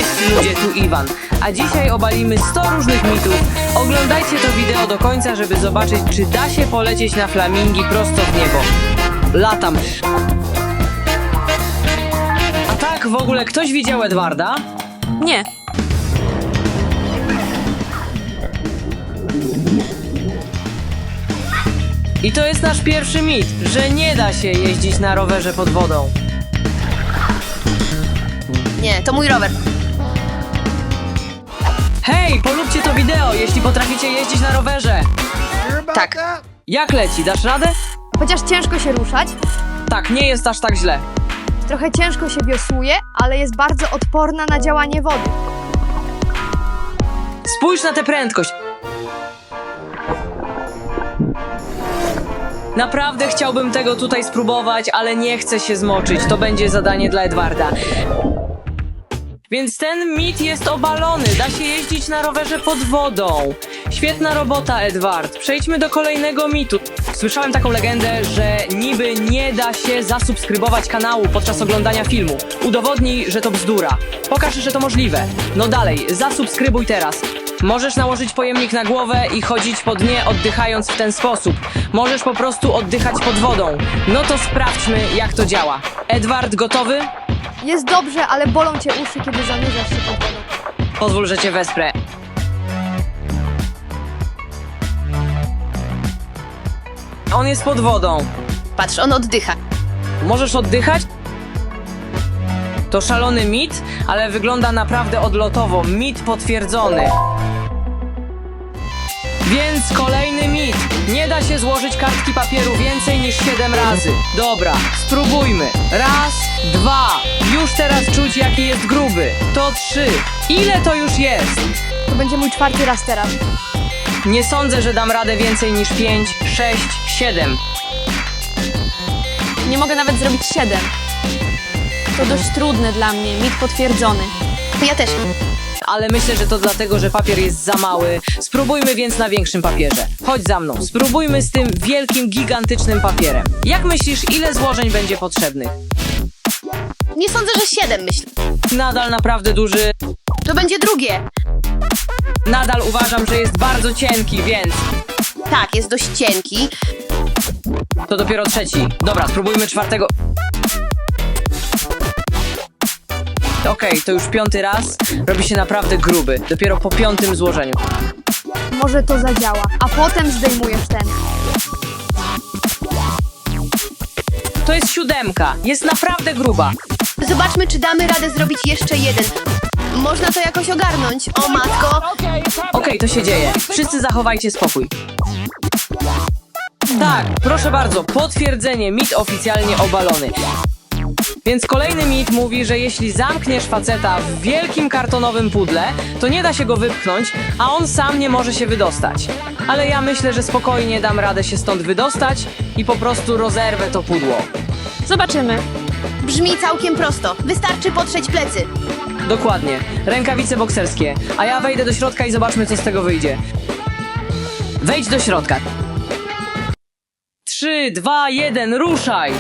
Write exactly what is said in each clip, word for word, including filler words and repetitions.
Cześć ludzie, tu Iwan, a dzisiaj obalimy sto różnych mitów. Oglądajcie to wideo do końca, żeby zobaczyć, czy da się polecieć na flamingi prosto w niebo. Latam. A tak, w ogóle ktoś widział Edwarda? Nie. I to jest nasz pierwszy mit, że nie da się jeździć na rowerze pod wodą. Nie, to mój rower. Hej, polubcie to wideo, jeśli potraficie jeździć na rowerze. Tak. Jak leci, dasz radę? Chociaż ciężko się ruszać, Tak, nie jest aż tak źle. trochę ciężko się wiosłuje, ale jest bardzo odporna na działanie wody. Spójrz na tę prędkość. Naprawdę chciałbym tego tutaj spróbować, ale nie chcę się zmoczyć. To będzie zadanie dla Edwarda. Więc ten mit jest obalony. Da się jeździć na rowerze pod wodą. Świetna robota, Edward. Przejdźmy do kolejnego mitu. Słyszałem taką legendę, że niby nie da się zasubskrybować kanału podczas oglądania filmu. Udowodnij, że to bzdura. Pokaż, że to możliwe. No dalej, zasubskrybuj teraz. Możesz nałożyć pojemnik na głowę i chodzić po dnie, oddychając w ten sposób. Możesz po prostu oddychać pod wodą. No to sprawdźmy, jak to działa. Edward, gotowy? Jest dobrze, ale bolą cię uszy, kiedy zanurzasz się pod wodą. Pozwól, że cię wesprę. On jest pod wodą. Patrz, on oddycha. Możesz oddychać? To szalony mit, ale wygląda naprawdę odlotowo. Mit potwierdzony. Więc kolejny mit. Nie da się złożyć kartki papieru więcej niż siedem razy. Dobra, spróbujmy. Raz, dwa. Już teraz czuć, jaki jest gruby. To trzy. Ile to już jest? To będzie mój czwarty raz teraz. Nie sądzę, że dam radę więcej niż pięć, sześć, siedem. Nie mogę nawet zrobić siedem. To dość trudne dla mnie, mit potwierdzony. Ja też. Ale myślę, że to dlatego, że papier jest za mały. Spróbujmy więc na większym papierze. Chodź za mną, spróbujmy z tym wielkim, gigantycznym papierem. Jak myślisz, ile złożeń będzie potrzebnych? Nie sądzę, że siedem, myślę. Nadal naprawdę duży. To będzie drugie. Nadal uważam, że jest bardzo cienki, więc Tak, jest dość cienki. to dopiero trzeci. Dobra, spróbujmy czwartego. Okej, to już piąty raz. Robi się naprawdę gruby. Dopiero po piątym złożeniu. Może to zadziała, a potem zdejmujesz ten. To jest siódemka. Jest naprawdę gruba. Zobaczmy, czy damy radę zrobić jeszcze jeden. Można to jakoś ogarnąć. O matko. Okej, to się dzieje. Wszyscy zachowajcie spokój. Tak, proszę bardzo, potwierdzenie, mit oficjalnie obalony. Więc kolejny mit mówi, że jeśli zamkniesz faceta w wielkim kartonowym pudle, to nie da się go wypchnąć, a on sam nie może się wydostać. Ale ja myślę, że spokojnie dam radę się stąd wydostać i po prostu rozerwę to pudło. Zobaczymy. Brzmi całkiem prosto. Wystarczy potrzeć plecy. Dokładnie, rękawice bokserskie, a ja wejdę do środka i zobaczmy, co z tego wyjdzie. Wejdź do środka. Trzy, dwa, jeden, ruszaj!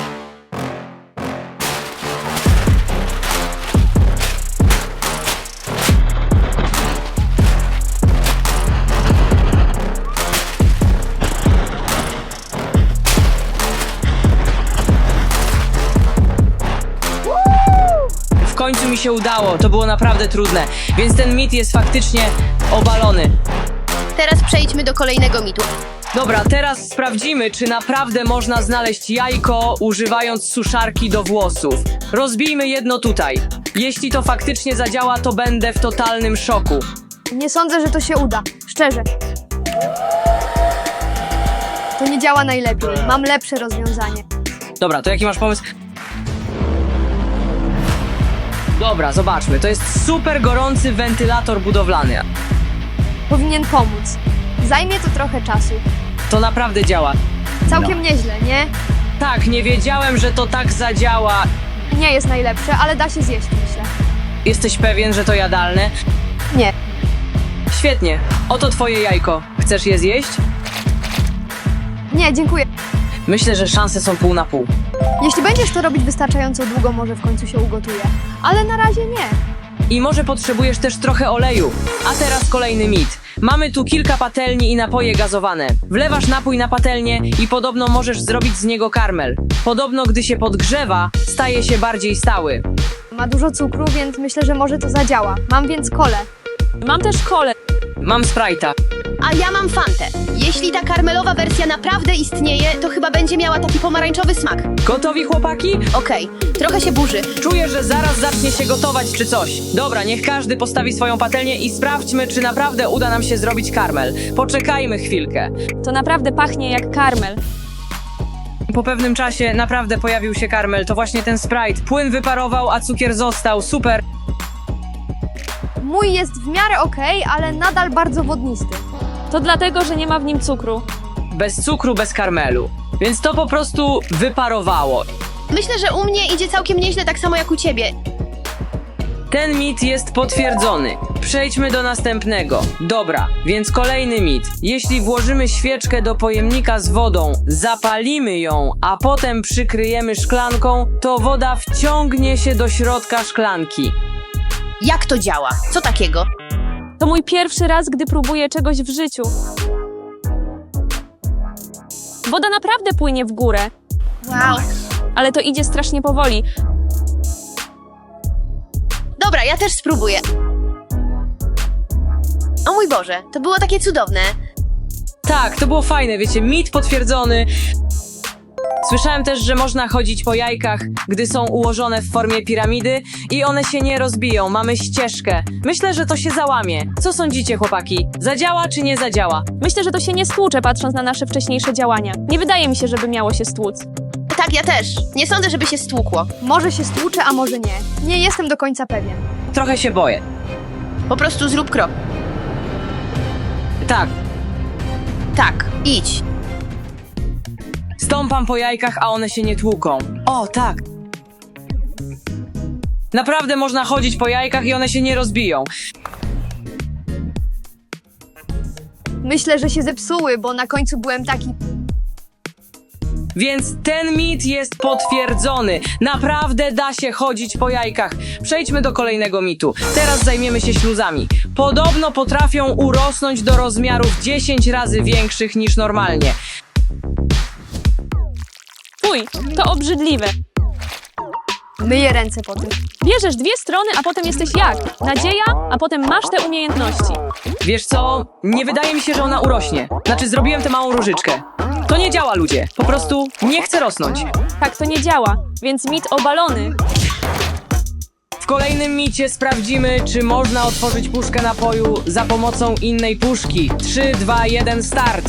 W końcu mi się udało, to było naprawdę trudne, więc ten mit jest faktycznie obalony. Teraz przejdźmy do kolejnego mitu. Dobra, teraz sprawdzimy, czy naprawdę można znaleźć jajko używając suszarki do włosów. Rozbijmy jedno tutaj. Jeśli to faktycznie zadziała, to będę w totalnym szoku. Nie sądzę, że to się uda. Szczerze. To nie działa najlepiej. Mam lepsze rozwiązanie. Dobra, to jaki masz pomysł? Dobra, zobaczmy. To jest super gorący wentylator budowlany. Powinien pomóc. Zajmie to trochę czasu. To naprawdę działa. Całkiem nieźle, nie? Tak, nie wiedziałem, że to tak zadziała. Nie jest najlepsze, ale da się zjeść, myślę. Jesteś pewien, że to jadalne? Nie. Świetnie. Oto twoje jajko. Chcesz je zjeść? Nie, dziękuję. Myślę, że szanse są pół na pół. Jeśli będziesz to robić wystarczająco długo, może w końcu się ugotuje. Ale na razie nie. I może potrzebujesz też trochę oleju. A teraz kolejny mit. Mamy tu kilka patelni i napoje gazowane. Wlewasz napój na patelnię i podobno możesz zrobić z niego karmel. Podobno gdy się podgrzewa, staje się bardziej stały. Ma dużo cukru, więc myślę, że może to zadziała. Mam więc kolę. Mam też kolę. Mam Sprite'a. A ja mam Fantę. Jeśli ta karmelowa wersja naprawdę istnieje, to chyba będzie miała taki pomarańczowy smak. Gotowi, chłopaki? Okej, trochę się burzy. Czuję, że zaraz zacznie się gotować czy coś. Dobra, niech każdy postawi swoją patelnię i sprawdźmy, czy naprawdę uda nam się zrobić karmel. Poczekajmy chwilkę. To naprawdę pachnie jak karmel. Po pewnym czasie naprawdę pojawił się karmel. To właśnie ten Sprite. Płyn wyparował, a cukier został. Super. Mój jest w miarę okej, ale nadal bardzo wodnisty. To dlatego, że nie ma w nim cukru. Bez cukru, bez karmelu. Więc to po prostu wyparowało. Myślę, że u mnie idzie całkiem nieźle, tak samo jak u ciebie. Ten mit jest potwierdzony. Przejdźmy do następnego. Dobra, więc kolejny mit. Jeśli włożymy świeczkę do pojemnika z wodą, zapalimy ją, a potem przykryjemy szklanką, to woda wciągnie się do środka szklanki. Jak to działa? Co takiego? To mój pierwszy raz, gdy próbuję czegoś w życiu. Woda naprawdę płynie w górę, Wow. ale to idzie strasznie powoli. Dobra, ja też spróbuję. O mój Boże, to było takie cudowne. Tak, to było fajne, wiecie, mit potwierdzony. Słyszałem też, że można chodzić po jajkach, gdy są ułożone w formie piramidy i one się nie rozbiją, mamy ścieżkę. Myślę, że to się załamie. Co sądzicie, chłopaki? Zadziała czy nie zadziała? Myślę, że to się nie stłucze, patrząc na nasze wcześniejsze działania. Nie wydaje mi się, żeby miało się stłuc. Tak, ja też. Nie sądzę, żeby się stłukło. Może się stłucze, a może nie. Nie jestem do końca pewien. Trochę się boję. Po prostu zrób krok. Tak, Tak, idź. stąpam po jajkach, a one się nie tłuką. O, tak. Naprawdę można chodzić po jajkach i one się nie rozbiją. Myślę, że się zepsuły, bo na końcu byłem taki... Więc ten mit jest potwierdzony. Naprawdę da się chodzić po jajkach. Przejdźmy do kolejnego mitu. Teraz zajmiemy się śluzami. Podobno potrafią urosnąć do rozmiarów dziesięć razy większych niż normalnie. Fuj, to obrzydliwe. Myję ręce po tym. Bierzesz dwie strony, a potem jesteś jak? Nadzieja, a potem masz te umiejętności. Wiesz co? Nie wydaje mi się, że ona urośnie. Znaczy, zrobiłem tę małą różyczkę. To nie działa, ludzie. Po prostu nie chce rosnąć. Tak to nie działa, więc mit obalony. W kolejnym micie sprawdzimy, czy można otworzyć puszkę napoju za pomocą innej puszki. trzy, dwa, jeden, start!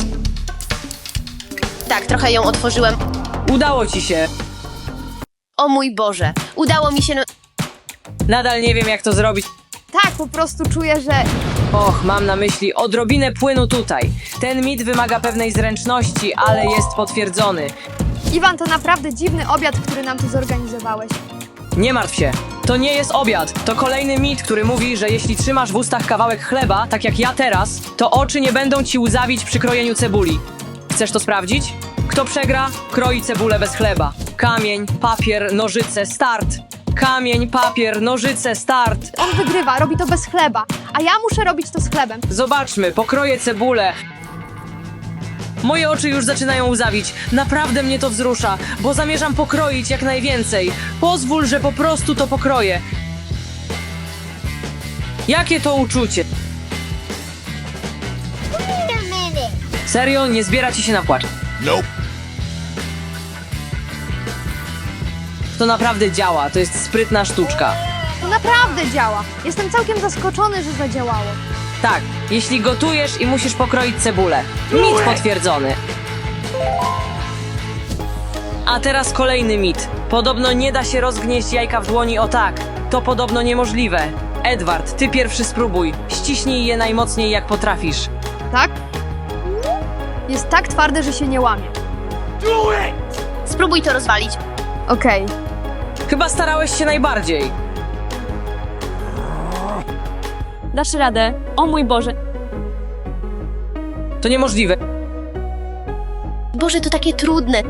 Tak, trochę ją otworzyłem. Udało ci się. O mój Boże, udało mi się... No... Nadal nie wiem, jak to zrobić. Tak, po prostu czuję, że... Och, mam na myśli odrobinę płynu tutaj. Ten mit wymaga pewnej zręczności, ale jest potwierdzony. Iwan, to naprawdę dziwny obiad, który nam tu zorganizowałeś. Nie martw się. To nie jest obiad. To kolejny mit, który mówi, że jeśli trzymasz w ustach kawałek chleba, tak jak ja teraz, to oczy nie będą ci łzawić przy krojeniu cebuli. Chcesz to sprawdzić? Kto przegra, kroi cebulę bez chleba. Kamień, papier, nożyce, start! Kamień, papier, nożyce, start! On wygrywa, robi to bez chleba, a ja muszę robić to z chlebem. Zobaczmy, pokroję cebulę. Moje oczy już zaczynają łzawić. Naprawdę mnie to wzrusza, bo zamierzam pokroić jak najwięcej. Pozwól, że po prostu to pokroję. Jakie to uczucie? Serio? Nie zbiera ci się na płacz. Nope. To naprawdę działa, to jest sprytna sztuczka. To naprawdę działa. Jestem całkiem zaskoczony, że zadziałało. Tak, jeśli gotujesz i musisz pokroić cebulę. Mit potwierdzony. A teraz kolejny mit. Podobno nie da się rozgnieść jajka w dłoni o tak. To podobno niemożliwe. Edward, ty pierwszy spróbuj. Ściśnij je najmocniej jak potrafisz. Tak? Jest tak twarde, że się nie łamie. Spróbuj to rozwalić. Okej. Chyba starałeś się najbardziej. Dasz radę. O mój Boże. To niemożliwe. Boże, to takie trudne.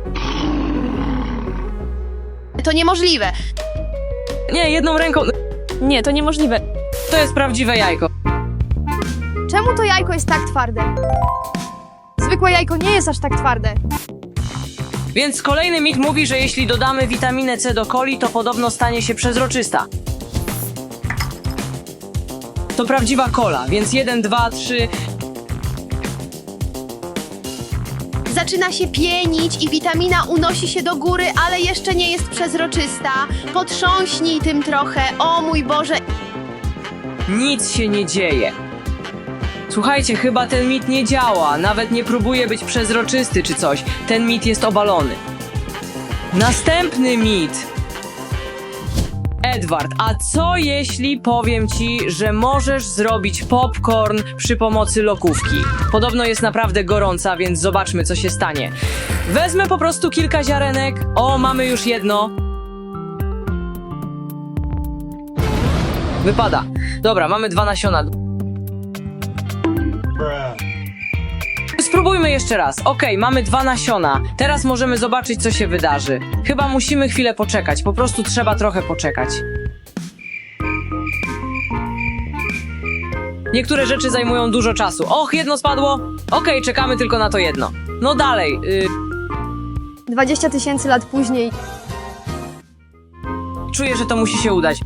To niemożliwe. Nie, jedną ręką... Nie, to niemożliwe. To jest prawdziwe jajko. Czemu to jajko jest tak twarde? Zwykłe jajko nie jest aż tak twarde. Więc kolejny mit mówi, że jeśli dodamy witaminę C do coli, to podobno stanie się przezroczysta. To prawdziwa kola, więc jeden, dwa, trzy... Zaczyna się pienić i witamina unosi się do góry, ale jeszcze nie jest przezroczysta. Potrząśnij tym trochę, o mój Boże. Nic się nie dzieje. Słuchajcie, chyba ten mit nie działa, nawet nie próbuje być przezroczysty czy coś. Ten mit jest obalony. Następny mit. Edward, a co jeśli powiem ci, że możesz zrobić popcorn przy pomocy lokówki? Podobno jest naprawdę gorąca, więc zobaczmy, co się stanie. Wezmę po prostu kilka ziarenek. O, mamy już jedno. Wypada. Dobra, mamy dwa nasiona. Spróbujmy jeszcze raz. Okej, mamy dwa nasiona. Teraz możemy zobaczyć, co się wydarzy. Chyba musimy chwilę poczekać. Po prostu trzeba trochę poczekać. Niektóre rzeczy zajmują dużo czasu. Och, jedno spadło. Okej, czekamy tylko na to jedno. No dalej. Y dwadzieścia tysięcy lat później. czuję, że to musi się udać.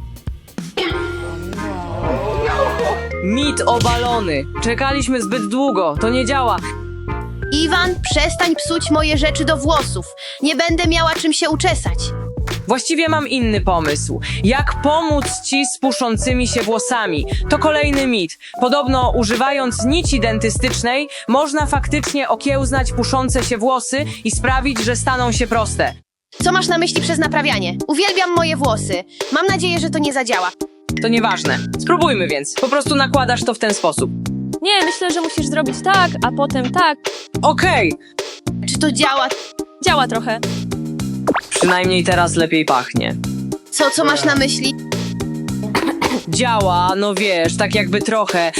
Mit obalony. Czekaliśmy zbyt długo. To nie działa. Iwan, przestań psuć moje rzeczy do włosów. Nie będę miała czym się uczesać. Właściwie mam inny pomysł. Jak pomóc ci z puszącymi się włosami? To kolejny mit. Podobno używając nici dentystycznej można faktycznie okiełznać puszące się włosy i sprawić, że staną się proste. Co masz na myśli przez naprawianie? Uwielbiam moje włosy. Mam nadzieję, że to nie zadziała. To nieważne. Spróbujmy więc. Po prostu nakładasz to w ten sposób. Nie, myślę, że musisz zrobić tak, a potem tak. Okej. Czy to działa? Działa trochę. Przynajmniej teraz lepiej pachnie. Co, co masz na myśli? Działa, no wiesz, tak jakby trochę.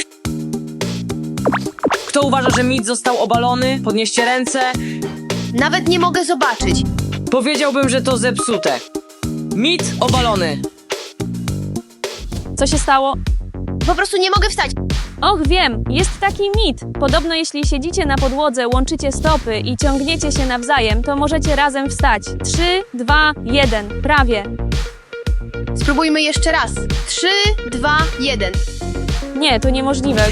Kto uważa, że mit został obalony? Podnieście ręce. Nawet nie mogę zobaczyć. Powiedziałbym, że to zepsute. Mit obalony. Co się stało? Po prostu nie mogę wstać. Och, wiem, jest taki mit. Podobno jeśli siedzicie na podłodze, łączycie stopy i ciągniecie się nawzajem, to możecie razem wstać. Trzy, dwa, jeden. Prawie. Spróbujmy jeszcze raz. Trzy, dwa, jeden. Nie, to niemożliwe.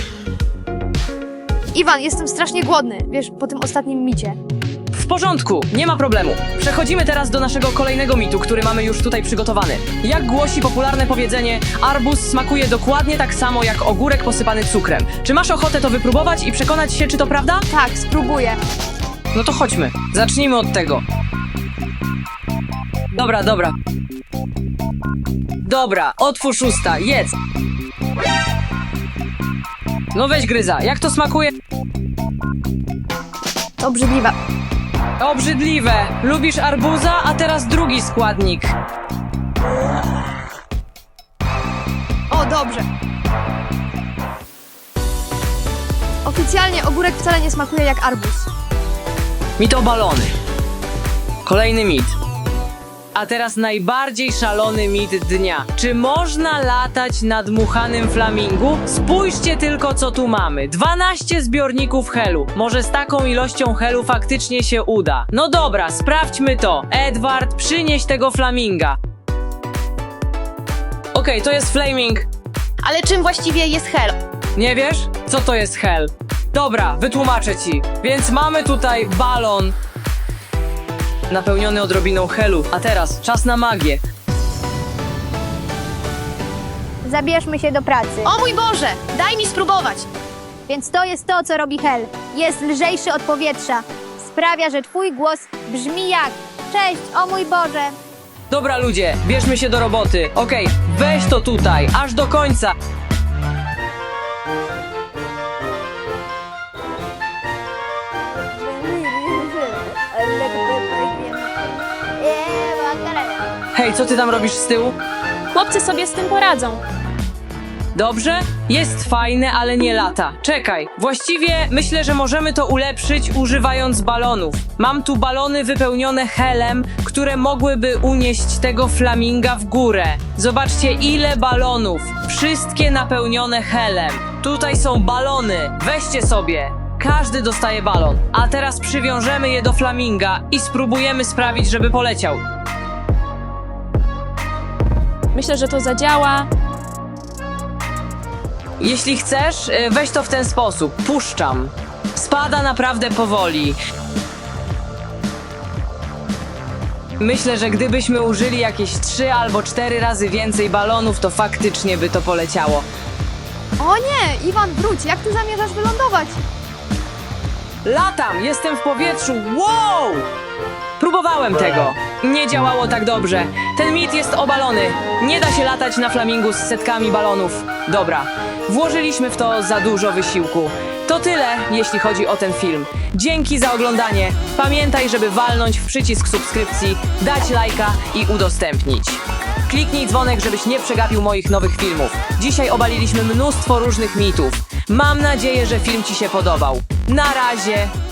Iwan, jestem strasznie głodny, wiesz, po tym ostatnim micie. W porządku, nie ma problemu. Przechodzimy teraz do naszego kolejnego mitu, który mamy już tutaj przygotowany. Jak głosi popularne powiedzenie, arbuz smakuje dokładnie tak samo jak ogórek posypany cukrem. Czy masz ochotę to wypróbować i przekonać się, czy to prawda? Tak, spróbuję. No to chodźmy. Zacznijmy od tego. Dobra, dobra. Dobra, otwórz usta, jedz. No weź gryza, jak to smakuje? To obrzydliwe. Obrzydliwe. Lubisz arbuza, a teraz drugi składnik. O, dobrze. Oficjalnie ogórek wcale nie smakuje jak arbuz. Mit obalony. Kolejny mit. A teraz najbardziej szalony mit dnia. Czy można latać na dmuchanym flamingu? Spójrzcie tylko, co tu mamy. dwanaście zbiorników helu. Może z taką ilością helu faktycznie się uda. No dobra, sprawdźmy to. Edward, przynieś tego flaminga. Okej, to jest flaming. Ale czym właściwie jest hel? Nie wiesz? Co to jest hel? Dobra, wytłumaczę ci. Więc mamy tutaj balon napełniony odrobiną helu. A teraz czas na magię. Zabierzmy się do pracy. O mój Boże, daj mi spróbować. Więc to jest to, co robi hel. Jest lżejszy od powietrza. Sprawia, że twój głos brzmi jak: cześć, o mój Boże. Dobra ludzie, bierzmy się do roboty. Okej, weź to tutaj, aż do końca. Hej, co ty tam robisz z tyłu? Chłopcy sobie z tym poradzą. Dobrze? Jest fajne, ale nie lata. Czekaj, właściwie myślę, że możemy to ulepszyć używając balonów. Mam tu balony wypełnione helem, które mogłyby unieść tego flaminga w górę. Zobaczcie, ile balonów. Wszystkie napełnione helem. Tutaj są balony. Weźcie sobie. Każdy dostaje balon. A teraz przywiążemy je do flaminga i spróbujemy sprawić, żeby poleciał. Myślę, że to zadziała. Jeśli chcesz, y, weź to w ten sposób. Puszczam. Spada naprawdę powoli. Myślę, że gdybyśmy użyli jakieś trzy albo cztery razy więcej balonów, to faktycznie by to poleciało. O nie, Iwan, wróć, jak ty zamierzasz wylądować? Latam! Jestem w powietrzu! Wow! Próbowałem tego. Nie działało tak dobrze. Ten mit jest obalony. Nie da się latać na flamingu z setkami balonów. Dobra, włożyliśmy w to za dużo wysiłku. To tyle, jeśli chodzi o ten film. Dzięki za oglądanie. Pamiętaj, żeby walnąć w przycisk subskrypcji, dać lajka i udostępnić. Kliknij dzwonek, żebyś nie przegapił moich nowych filmów. Dzisiaj obaliliśmy mnóstwo różnych mitów. Mam nadzieję, że film Ci się podobał. Na razie!